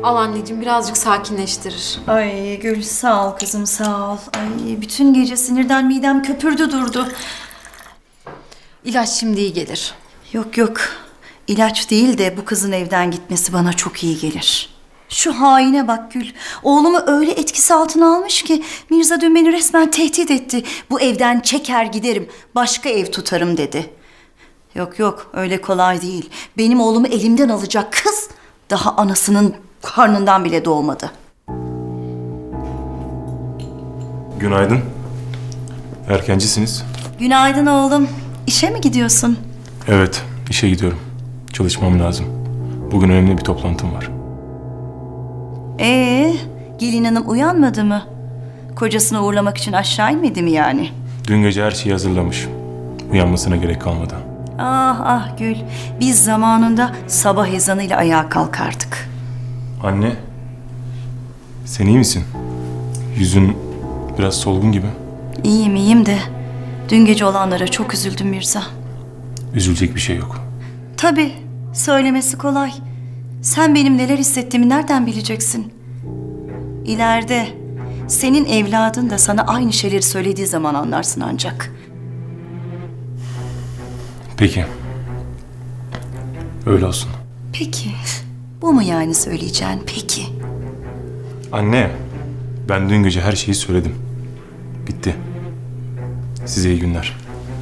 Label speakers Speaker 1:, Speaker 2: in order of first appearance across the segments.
Speaker 1: Al anneciğim, birazcık sakinleştirir.
Speaker 2: Ay Gül sağ ol kızım sağ ol. Ay bütün gece sinirden midem köpürdü durdu.
Speaker 1: İlaç şimdi iyi gelir.
Speaker 2: Yok yok ilaç değil de bu kızın evden gitmesi bana çok iyi gelir. Şu haine bak Gül. Oğlumu öyle etkisi altına almış ki Mirza dün beni resmen tehdit etti. Bu evden çeker giderim, başka ev tutarım dedi. Yok yok öyle kolay değil. Benim oğlumu elimden alacak kız daha anasının karnından bile doğmadı.
Speaker 3: Günaydın. Erkencisiniz.
Speaker 2: Günaydın oğlum. İşe mi gidiyorsun?
Speaker 3: Evet, işe gidiyorum. Çalışmam lazım. Bugün önemli bir toplantım var.
Speaker 2: Gelin hanım uyanmadı mı? Kocasını uğurlamak için aşağı inmedi mi yani?
Speaker 3: Dün gece her şeyi hazırlamış. Uyanmasına gerek kalmadı.
Speaker 2: Ah ah Gül, biz zamanında sabah ezanıyla ayağa kalkardık.
Speaker 3: Anne, sen iyi misin? Yüzün biraz solgun gibi.
Speaker 2: İyiyim iyiyim de dün gece olanlara çok üzüldüm Mirza.
Speaker 3: Üzülecek bir şey yok.
Speaker 2: Tabii, söylemesi kolay. Sen benim neler hissettiğimi nereden bileceksin? İleride senin evladın da sana aynı şeyleri söylediği zaman anlarsın ancak.
Speaker 3: Peki. Öyle olsun.
Speaker 2: Peki, bu mu yani söyleyeceğin peki?
Speaker 3: Anne, ben dün gece her şeyi söyledim. Bitti. Size iyi günler.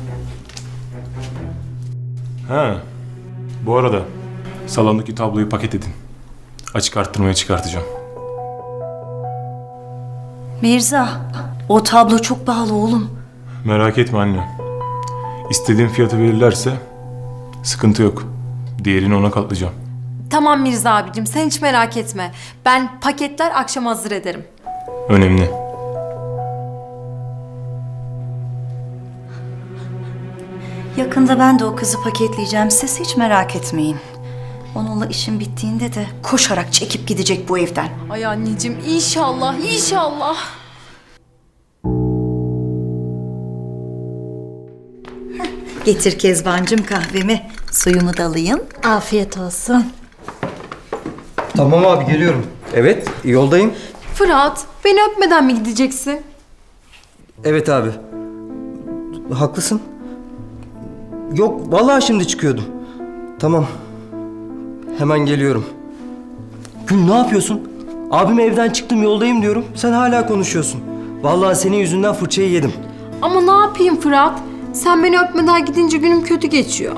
Speaker 3: Ha, bu arada salondaki tabloyu paket edin. Açık arttırmaya çıkartacağım.
Speaker 2: Mirza, o tablo çok pahalı oğlum.
Speaker 3: Merak etme anne. İstediğim fiyatı verirlerse sıkıntı yok. Diğerini ona katlayacağım.
Speaker 1: Tamam Mirza abicim, sen hiç merak etme. Ben paketler akşam hazır ederim.
Speaker 3: Önemli.
Speaker 2: Yakında ben de o kızı paketleyeceğim. Siz hiç merak etmeyin. Onunla işim bittiğinde de koşarak çekip gidecek bu evden.
Speaker 1: Ay anneciğim, inşallah, inşallah.
Speaker 2: Getir Kezbancığım kahvemi. Suyumu da alayım.
Speaker 1: Afiyet olsun.
Speaker 4: Tamam abi geliyorum. Evet yoldayım.
Speaker 1: Fırat, beni öpmeden mi gideceksin?
Speaker 4: Evet abi. Haklısın. Yok vallahi şimdi çıkıyordum. Tamam. Hemen geliyorum. Gül ne yapıyorsun? Abim evden çıktım yoldayım diyorum. Sen hala konuşuyorsun. Vallahi senin yüzünden fırçayı yedim.
Speaker 1: Ama ne yapayım Fırat? Sen beni öpmeden gidince günüm kötü geçiyor.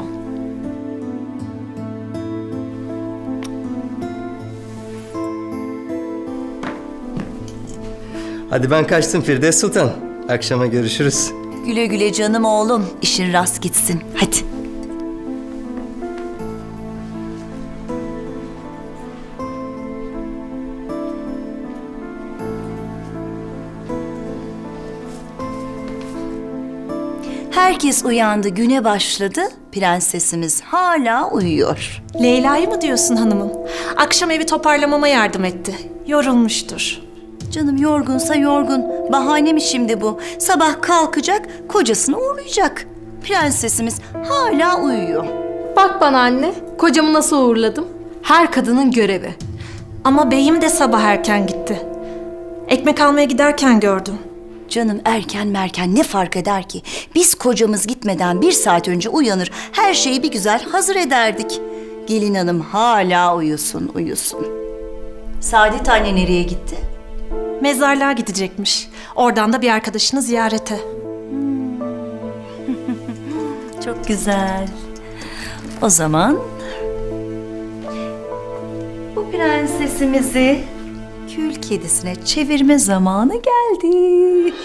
Speaker 4: Hadi ben kaçtım Firdevs Sultan. Akşama görüşürüz.
Speaker 2: Güle güle canım oğlum. İşin rast gitsin. Hadi. Herkes uyandı, güne başladı. Prensesimiz hala uyuyor.
Speaker 5: Leyla'yı mı diyorsun hanımım? Akşam evi toparlamama yardım etti. Yorulmuştur.
Speaker 2: Canım yorgunsa yorgun. Bahane mi şimdi bu? Sabah kalkacak, kocasını uğurlayacak. Prensesimiz hala uyuyor.
Speaker 1: Bak bana anne, kocamı nasıl uğurladım? Her kadının görevi.
Speaker 5: Ama beyim de sabah erken gitti. Ekmek almaya giderken gördüm.
Speaker 2: Canım erken merken ne fark eder ki? Biz kocamız gitmeden 1 saat önce uyanır, her şeyi bir güzel hazır ederdik. Gelin hanım hala uyusun, uyusun. Saadet anne nereye gitti?
Speaker 5: Mezarlığa gidecekmiş. Oradan da bir arkadaşını ziyarete.
Speaker 2: Çok güzel. O zaman bu prensesimizi kül kedisine çevirme zamanı geldi.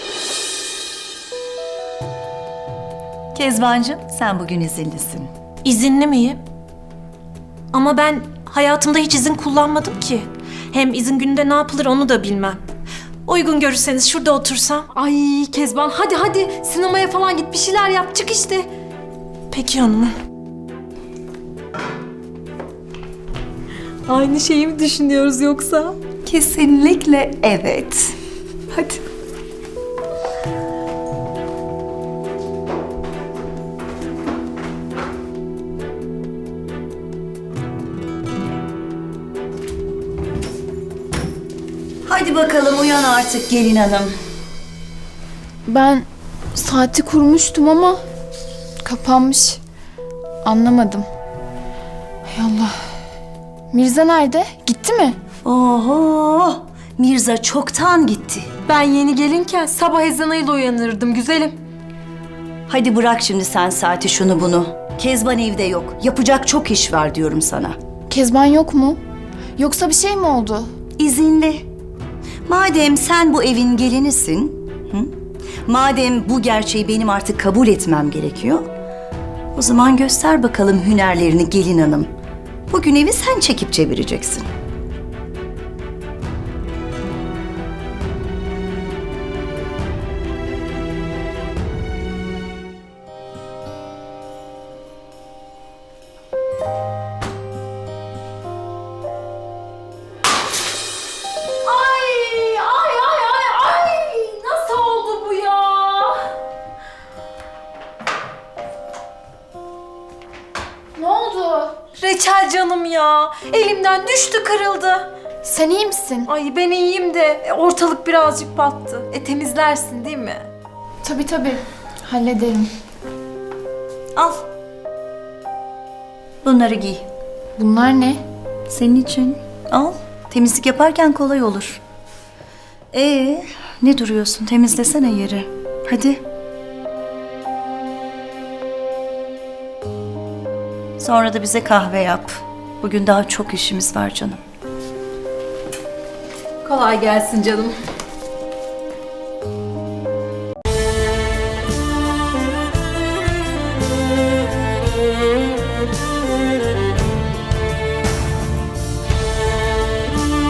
Speaker 2: Kezbancığım sen bugün izinlisin.
Speaker 5: İzinli miyim? Ama ben hayatımda hiç izin kullanmadım ki. Hem izin gününde ne yapılır onu da bilmem. Uygun görürseniz şurada otursam.
Speaker 1: Ay Kezban, hadi hadi sinemaya falan git, bir şeyler yap, çık işte.
Speaker 5: Peki hanımım.
Speaker 1: Aynı şeyi mi düşünüyoruz yoksa?
Speaker 2: Kesinlikle evet.
Speaker 1: Hadi.
Speaker 2: Hadi bakalım uyan artık gelin hanım.
Speaker 6: Ben saati kurmuştum ama kapanmış. Anlamadım. Hay Allah. Mirza nerede? Gitti mi?
Speaker 2: Oho! Mirza çoktan gitti.
Speaker 1: Ben yeni gelinken sabah ezanıyla uyanırdım güzelim.
Speaker 2: Hadi bırak şimdi sen saati şunu bunu. Kezban evde yok. Yapacak çok iş var diyorum sana.
Speaker 6: Kezban yok mu? Yoksa bir şey mi oldu?
Speaker 2: İzinli. Madem sen bu evin gelinisin, hı? Madem bu gerçeği benim artık kabul etmem gerekiyor, o zaman göster bakalım hünerlerini gelin hanım. Bugün evi sen çekip çevireceksin.
Speaker 1: Ay, nasıl oldu bu ya?
Speaker 6: Ne oldu?
Speaker 1: Reçel canım ya. Elimden düştü, kırıldı.
Speaker 6: Sen iyi misin?
Speaker 1: Ay ben iyiyim de ortalık birazcık battı. Temizlersin değil mi?
Speaker 6: Tabii. Hallederim.
Speaker 2: Al. Bunları giy.
Speaker 6: Bunlar ne?
Speaker 2: Senin için. Al. Temizlik yaparken kolay olur. Ne duruyorsun? Temizlesene yeri. Hadi. Sonra da bize kahve yap. Bugün daha çok işimiz var canım.
Speaker 1: Kolay gelsin canım.